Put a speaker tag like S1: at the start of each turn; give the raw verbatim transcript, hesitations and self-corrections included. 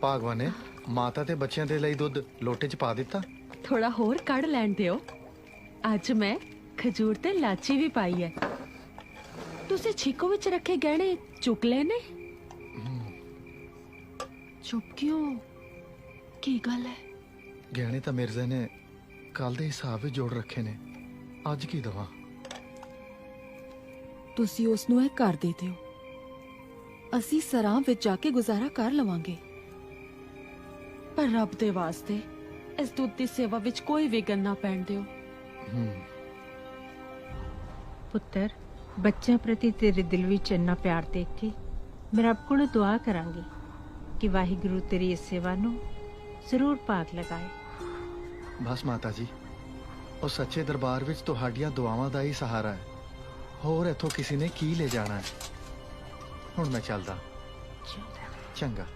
S1: ਭਾਗਵਾਨ ਨੇ ਮਾਤਾ ਤੇ ਬੱਚਿਆਂ ਦੇ ਲਈ ਦੁੱਧ ਲੋਟੇ 'ਚ ਪਾ ਦਿੱਤਾ।
S2: ਥੋੜਾ ਹੋਰ ਕੱਢ ਲੈਣ ਦਿਓ। ਅੱਜ ਮੈਂ ਖਜੂਰ ਤੇ ਲਾਚੀ ਵੀ ਪਾਈ ਹੈ। ਤੁਸੀਂ ਛਿੱਕੋ ਵਿੱਚ ਰੱਖੇ ਗਹਿਣੇ ਚੁੱਕ ਲਏ ਨੇ? ਚੁੱਪ ਕਿਉਂ? ਕੀ ਗੱਲ ਹੈ?
S1: ਗਹਿਣੇ ਤਾਂ ਮਿਰਜ਼ੇ ਨੇ ਕੱਲ ਦੇ ਹਿਸਾਬ ਵਿੱਚ ਜੋੜ ਰੱਖੇ ਨੇ, ਅੱਜ ਕੀ ਦਵਾਂ?
S2: ਤੁਸੀਂ ਉਸ ਨੂੰ ਇਹ ਕਰ ਦੇ ਦਿਓ, ਅਸੀਂ ਸਰਾਂ ਵਿੱਚ ਜਾ ਕੇ ਗੁਜ਼ਾਰਾ ਕਰ ਲਵਾਂਗੇ। ਪਰ ਰੱਬ ਦੇ ਵਾਸਤੇ ਇਸ ਦੁੱਧ ਦੀ ਸੇਵਾ ਵਿੱਚ ਕੋਈ ਵਿਘਨ ਨਾ ਪੈਣ ਦਿਓ।
S3: ਪੁੱਤਰ, ਬੱਚਿਆਂ ਪ੍ਰਤੀ ਤੇਰੇ ਦਿਲ ਵਿੱਚ ਇੰਨਾ ਪਿਆਰ ਦੇਖ ਕੇ ਮੈਂ ਰੱਬ ਕੋਲੋਂ ਦੁਆ ਕਰਾਂਗੀ ਕਿ ਵਾਹਿਗੁਰੂ ਤੇਰੀ ਇਸ ਸੇਵਾ ਨੂੰ ਜ਼ਰੂਰ ਭਾਗ ਲਗਾਏ।
S1: ਬਸ ਮਾਤਾ ਜੀ, ਉਹ ਸੱਚੇ ਦਰਬਾਰ ਵਿੱਚ ਤੁਹਾਡੀਆਂ ਦੁਆਵਾਂ ਦਾ ਹੀ ਸਹਾਰਾ ਹੈ। ਹੋਰ ਇੱਥੋਂ ਕਿਸੇ ਨੇ ਕੀ ਲੈ ਜਾਣਾ ਹੈ। ਹੁਣ ਮੈਂ ਚੱਲਦਾ। ਚੰਗਾ।